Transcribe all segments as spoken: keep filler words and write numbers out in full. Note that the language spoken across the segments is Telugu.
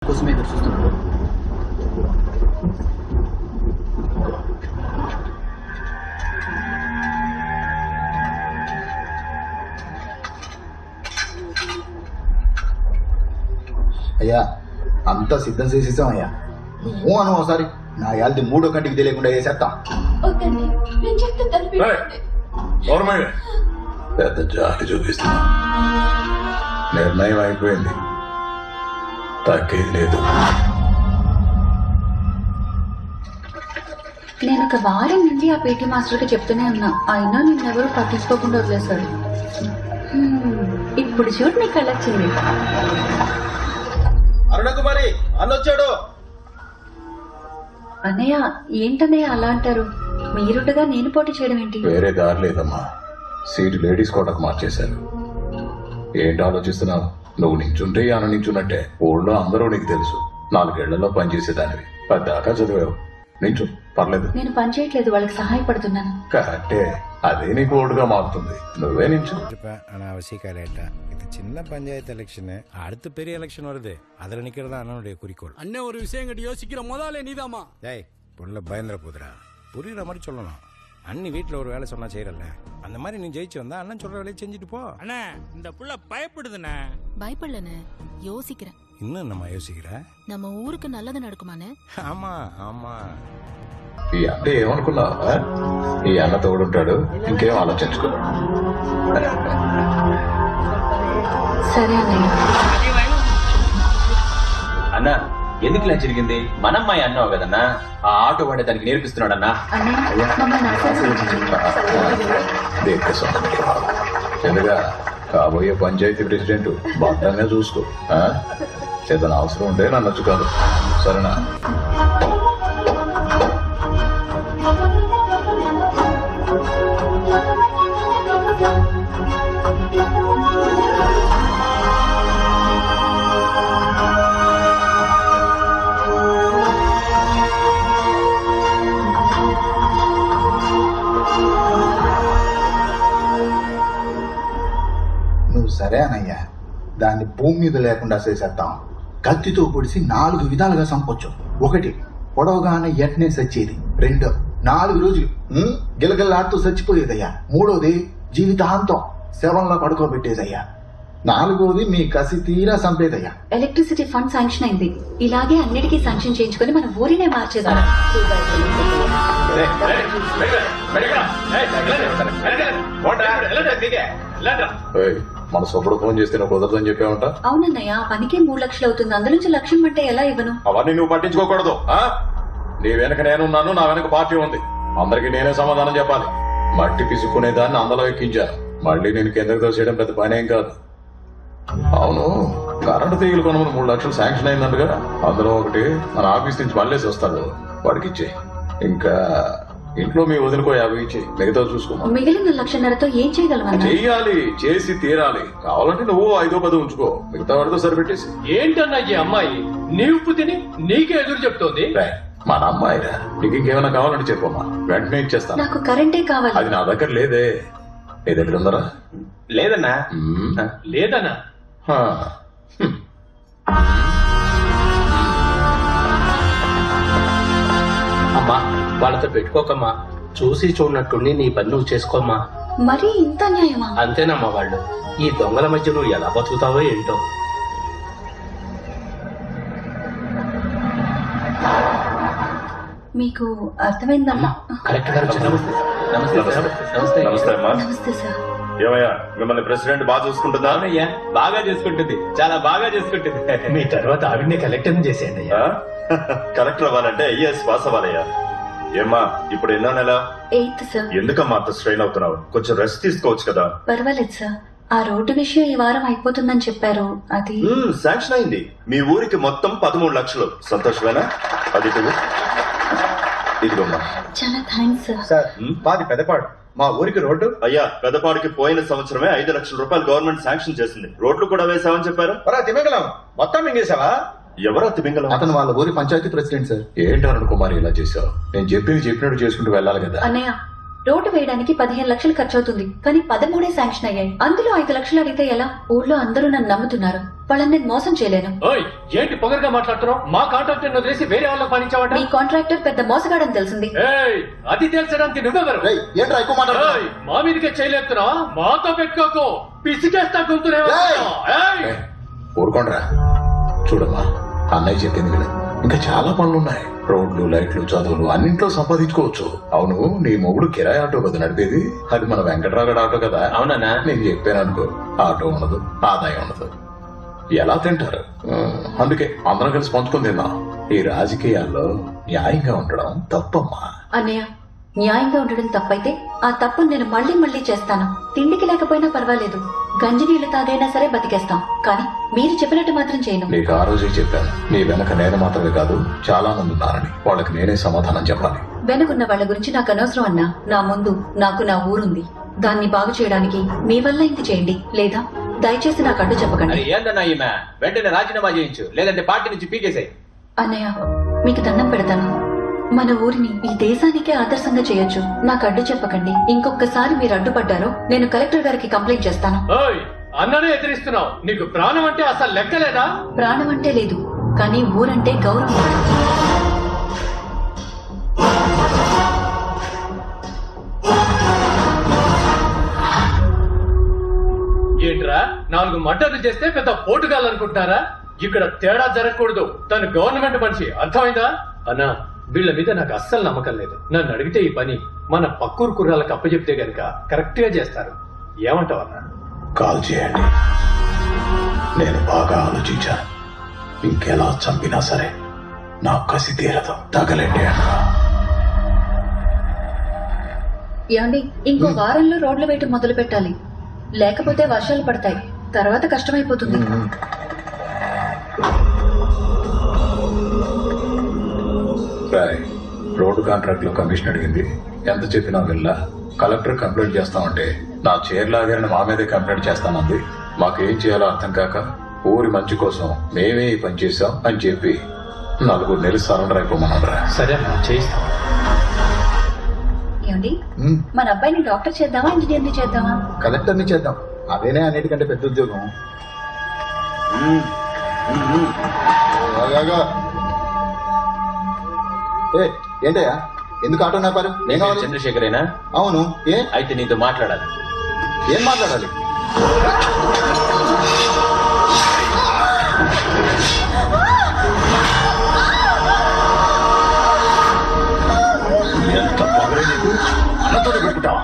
మీకోసమే ఎదురు చూస్తున్నాను. అయ్యా అంతా సిద్ధం చేసేసాం అయ్యా. నువ్వు అను ఒకసారి నా యాల్ది మూడో కంటికి తెలియకుండా వేసేస్తాం. పెద్ద జాలి చూపిస్తున్నా. నిర్ణయం అయిపోయింది, తగ్గేది లేదు. నేను ఒక వారం నుండి ఆ పీటీ మాస్టర్కి చెప్తూనే ఉన్నా, అయినా నిన్నెవరూ పట్టించుకోకుండా వదిలేశారు. ఇప్పుడు చూడు నీకు కళ్ళొచ్చింది. అరుణకుమారి అన్నొచ్చాడు. అన్నయ్య ఏంటన్నయ్య అలా అంటారు? మీరుండగా నేను పోటీ చేయడం ఏంటి? వేరే దారి లేదమ్మా, సీటు లేడీస్ కోటకు మార్చేశారు. ఏంటి ఆలోచిస్తున్నావు? నువ్వు నించుంటే ఆన నించున్నట్టే. ఊళ్ళో అందరూ నీకు తెలుసు, నాలుగేళ్లలో పనిచేసేదానివి, పద్దాకా చదివావు. నించు, పర్లేదు. నేను పని చేయట్లేదు, వాళ్ళకి సహాయపడుతున్నాను. కరెక్టే, అదే నీకు ఓటుగా మారుతుంది. నువ్వే నించు. அவசியக்காரேட்டா இது சின்ன பஞ்சாயத்து எலெக்ஷனு, அடுத்து பெரிய எலெக்ஷன் வருது, அதில் நிற்கிறது தான் அண்ணனுடைய குறிக்கோள். அண்ணன் ஒரு விஷயம் கட்டி யோசிக்கிற முதலே நீதாமா. டேய் புள்ள பயந்துட போதுரா, புரியுற மாதிரி சொல்லணும். அண்ணி வீட்டில் ஒரு வேலை சொன்னா செய்யறல்ல, அந்த மாதிரி நீ ஜெயிச்சு வந்தா அண்ணன் சொல்ற வேலையை செஞ்சுட்டு போ. அண்ணா இந்த புள்ள பயப்படுதுண்ணே. பயப்படலண்ணே, யோசிக்கிறேன். இன்னும் நம்ம யோசிக்கிற நம்ம ஊருக்கு நல்லது நடக்குமாண்ணே? ஆமா ஆமா. ఈ అన్న ఏమనుకున్నావా? ఈ అన్న తోడుంటాడు, ఇంకేం ఆలోచించుకో. సరే అన్నయ్య. అన్నా ఎందుకు ఇలా జరిగింది? మనమ్మాయి అన్నావు కదన్నా, ఆ ఆటో వాడే దానికి నేర్పిస్తున్నాడన్నా. అన్నయ్య మమ్మల్ని ఎందుగా కాబోయే పంచాయతీ ప్రెసిడెంట్ భద్రంగా చూసుకో. ఏదైనా అవసరం ఉంటే నన్ను కాదు, సరేనా? నువ్వు సరే అనయ్యా, దాన్ని భూమి మీద లేకుండా చేసేద్దాం. కత్తితో పొడిసి నాలుగు విధాలుగా చంపొచ్చు. ఒకటి, పొడవగానే ఎట్నే సచ్చేది. రెండో, నాలుగు రోజులు గిలగిల్లాడుతూ చచ్చిపోయేదయ్యా. మూడోది, జీవితాంతం శవంలో పడుకోబెట్టేదయ్యా. నాలుగోది, మీ కసి తీరా చంపేదయ్యా. ఎలక్ట్రిసిటీ ఫండ్ శాంక్షన్ అయింది. ఇలాగే అన్నిటికీ శాంక్షన్ చేయించుకొని మన ఊరినే మార్చేదా. మన సొప్పుడు ఫోన్ చేస్తే నువ్వు కుదరదని చెప్పావంట. అవునన్నయ్య, పనికే మూడు లక్షలు అవుతుంది, అందులో నుంచి లక్ష్యం అంటే ఎలా ఇవ్వను? అవన్నీ నువ్వు పట్టించుకోకూడదు. నీ వెనక నేనున్నాను, నా వెనక పార్టీ ఉంది, అందరికి నేనే సమాధానం చెప్పాలి. మట్టి పిసుకునే దాన్ని అందులో ఎక్కించాను, మళ్ళీ నేను కిందకి తోసేయడం పెద్ద పని ఏం కాదు. అవును, కరెంటు తీగలు కొనమని మూడు లక్షలు శాంక్షన్ అయిందంటగా, అందులో ఒకటి మన ఆఫీస్ నుంచి మళ్ళీ వస్తాడు, వాడికి ఇచ్చే. ఇంకా ఇంట్లో మీ వదిలికో యాభై ఇచ్చి మిగతా చూసుకో. మిగిలిన లక్షన్నరతో ఏం చేయగలవా? చెయ్యాలి, చేసి తీరాలి. కావాలంటే నువ్వు ఐదో పది ఉంచుకో, మిగతా వాడితో సరిపెట్టేసి. ఏంటన్నా ఈ అమ్మాయి నీ ఉప్పు తిని నీకే ఎదురు చెప్తోంది? మన అమ్మాయిరా, నీకు ఇంకేమైనా కావాలంటే చెప్పమ్మా, వెంటనే ఇచ్చేస్తాను. నాకు కరెంటే కావాలి. అది నా దగ్గర లేదే, నీ దగ్గర ఉందరా? లేదన్నా. లేదన్నా. అమ్మా వాళ్ళతో పెట్టుకోకమ్మా, చూసి చూడనట్టుండి నీ పని నువ్వు చేసుకోమ్మా. మరి ఇంత న్యాయమా? అంతేనమ్మా, వాళ్ళు ఈ దొంగల మధ్య నువ్వు ఎలా బతుకుతావో ఏంటో. మీకు అర్థమైందమ్మా? కలెక్టర్ గారు నమస్తే. నమస్తే నమస్తే అమ్మా. నమస్తే సార్. ఏమయ్యా, మిమ్మల్ని ప్రెసిడెంట్ బాగా చూసుకుంటుందా? అవునయ్యా, బాగా చేసుకుంటుంది, చాలా బాగా చేసుకుంటుంది. మీ తర్వాత ఆవిడనే కలెక్టర్ చేసేయండి అయ్యా. కలెక్టర్ అవ్వాలంటే ఐఏఎస్ పాస్ అవ్వాలయ్యా. ఏమ్మా ఇప్పుడు ఎన్నో నెల? Eighth sir. ఎందుకమ్మా అంత స్ట్రెయిన్ అవుతున్నావు? కొంచెం రెస్ట్ తీసుకోవచ్చు కదా. పర్వాలేదు సార్, ఆ రోడ్డు విషయం ఈ వారం అయిపోతుందని చెప్పారు, అది శాంక్షన్ అయింది. మీ ఊరికి మొత్తం పదమూడు లక్షలు. సంతోషమేనా? అది ఇదిగోమ్మా. చాలా థ్యాంక్స్ సార్. సార్, మాది పెద్దపాడు, మా ఊరికి రోడ్డు. అయ్యా, పెద్దపాడికి పోయిన సంవత్సరమే ఐదు లక్షల రూపాయలు గవర్నమెంట్ శాంక్షన్ చేసింది. రోడ్లు కూడా వేసామని చెప్పారు. తిమింగలం మొత్తం మింగేశావా? ఎవరా తిమింగలం? అతను వాళ్ళ ఊరి పంచాయతీ ప్రెసిడెంట్ సార్. ఏంటి అరుణ్ కుమార్ ఇలా చేశావు? నేను చెప్పింది చెప్పినట్టు చేసుకుంటూ వెళ్ళాలి కదా. అన్నయ్య, రోడ్డు వేయడానికి పదిహేను లక్షలు ఖర్చు అవుతుంది, కానీ పదమూడే శాంక్షన్ అయ్యాయి. అందులో ఐదు లక్షలు అడిగితే ఎలా? ఊర్లో అందరూ నన్ను నమ్ముతున్నారు. వాళ్ళని నేను మోసం చేయలేను. ఓయ్ ఏంటి పొగరుగా మాట్లాడుతున్నావు? మా కాంట్రాక్టర్ వదిలేసి వేరే వాళ్ళకి పనిచావట. మీ కాంట్రాక్టర్ పెద్ద మోసగాడని తెలిసింది. ఏయ్ అది తెలుసడానికి నువ్వెవరు? ఏంట్రా ఎక్కువ మాట్లాడుతున్నావ్? ఏయ్, మా మీదకే చేయలేపుతున్నా? మాతో పెట్టుకోకు, పిసికేస్తా గుంతునే. ఊరుకోండ్రా. చూడమ్మా, అన్నయ్య చెప్పింది విను. ఇంకా చాలా పనులున్నాయి. రోడ్లు, లైట్లు, చదువులు అన్నింట్లో సంపాదించుకోవచ్చు. అవును, నీ మొగుడు కిరాయి ఆటో కదా నడిపేది? అది మన వెంకట్రాగడ్ ఆటో కదా? అవునన్నా. నేను చెప్పాను అనుకో, ఆటో ఉండదు, ఆదాయం ఉండదు, ఎలా తింటారు? ఆ, అందుకే అందరం కలిసి పంచుకొని తిందాం. ఈ రాజకీయాల్లో న్యాయంగా ఉండడం తప్పమ్మా. అన్నయ్య, న్యాయంగా ఉండడం తప్పైతే ఆ తప్పును నేను మళ్ళీ మళ్ళీ చేస్తాను. తిండికి లేకపోయినా పర్వాలేదు, గంజి నీళ్లు తాగైనా సరే బతికేస్తాం. కానీ మీరు చెప్పినట్టు మాత్రం చేయను. నీకు ఆ రోజే చెప్పాను, నీ వెనక నేను మాత్రమే కాదు చాలా మంది ఉన్నారని. వాళ్ళకి నేనే సమాధానం చెప్పాలి. వెనుకున్న వాళ్ళ గురించి నాకు అనవసరం అన్నా. నా ముందు నాకు నా ఊరుంది. దాన్ని బాగు చేయడానికి మీ వల్ల ఇంత చేయండి, లేదా దయచేసి నాకు అడ్డు చెప్పకండి. అది ఏందన్నా ఈమె? వెంటనే రాజీనామా చేయించు, లేదంటే పార్టీ నుంచి పీకేసాయి. అన్నయ్య, మీకు దండం పెడతాను. మన ఊరిని ఈ దేశానికే ఆదర్శంగా చేయొచ్చు. నాకు అడ్డు చెప్పకండి. ఇంకొకసారి మీరు అడ్డుపడ్డారో నేను కలెక్టర్ గారికి కంప్లైంట్ చేస్తాను. ఓయ్ అన్ననే ఎదిరిస్తున్నావు. నీకు ప్రాణం అంటే అసలు లెక్కలేదా? ప్రాణం అంటే లేదు, కానీ ఊరంటే గౌరవం. ఏంట్రా, నాలుగు మర్డర్లు చేస్తే పెద్ద పోటుగాలనుకుంటున్నారా? ఇక్కడ తేడా జరగకూడదు. తను గవర్నమెంట్ మనిషి, అర్థమైందా? అన్నా, వీళ్ళ మీద నాకు అస్సలు నమ్మకం లేదు. నన్ను అడిగితే ఈ పని మన పక్కూరు కుర్రాలకు అప్పచెప్తే గనక కరెక్ట్ గా చేస్తారు. ఏమంటావు అన్నా? కాల్ చేయండి. నేను బాగా ఆలోచించాను. ఇంకెలా చంపినా సరే నా కసి తీరదు. తగలండి అన్నా. ఏమండి, ఇంకో వారంలో రోడ్లు వేయటం మొదలు పెట్టాలి, లేకపోతే వర్షాలు పడతాయి. తర్వాత కష్టమైపోతుంది. రోడ్డు కాంట్రాక్ట్ లో కమిషన్ అడిగింది. ఎంత చెప్పినా వెళ్ళా. కలెక్టర్ కంప్లైంట్ చేస్తామంటే నా చైర్ లాగారని మా మీదే కంప్లైంట్ చేస్తానంది. మాకేం చేయాలో అర్థం కాక ఊరి మంచి కోసం మేమే ఈ పని చేశాం అని చెప్పి నలుగురు నెలలు సరెండర్ అయిపోమన్నారా. సరే చేయిస్తాం. ఏమండి, మన అబ్బాయిని డాక్టర్ చేద్దామా, ఇంజనీర్ని చేద్దామా? కలెక్టర్ని చేద్దాం, అదేనే అన్నిటికంటే పెద్ద ఉద్యోగం. ఆగాగా. ఏ ఏంటయ్యా, ఎందుకు ఆటో నాపారు? నేను చంద్రశేఖరేనా? అవును. ఏ అయితే నీతో మాట్లాడాలి. ఏం మాట్లాడాలి? ఎంత పొగరే నీకు? అన్నతోనే పెట్టుకుంటావా?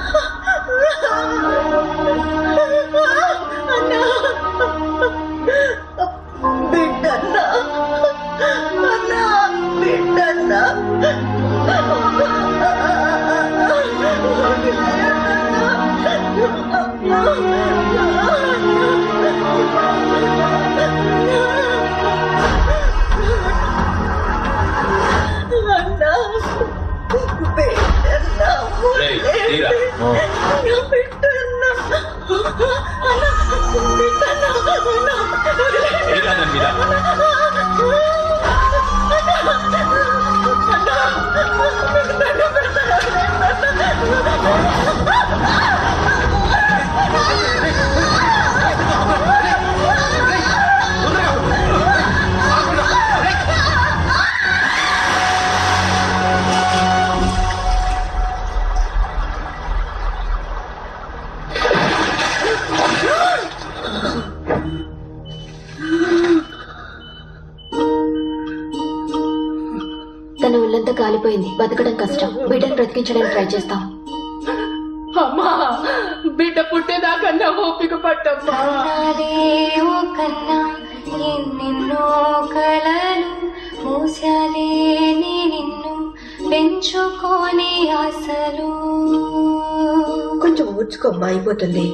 రేయ్, తీరా. తీరా దాని మీద. తన ఒళ్ళంతా కాలిపోయింది, బతకడం కష్టం. బిడ్డను బ్రతికించడానికి ట్రై చేస్తాం. అమ్మా, బిడ్డ పుట్టేదాకన్నా ఓపిక పట్టమ్మా. కన్నా ఎన్నెన్నో కలలు మూసాలే నిన్ను పెంచుకోని ఆశలు. కొంచెం ఊడ్చుకోమ్మా, అయిపోతుంది.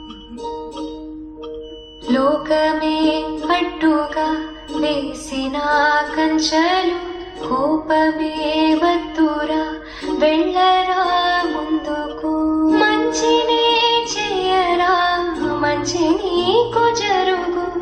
లోకమే అడ్డుగా వేసిన కంచెలు కోపమే వత్తురా వెళ్ళరా ముందుకు. మంచినే చేయరా మంచి నీకు జరుగు.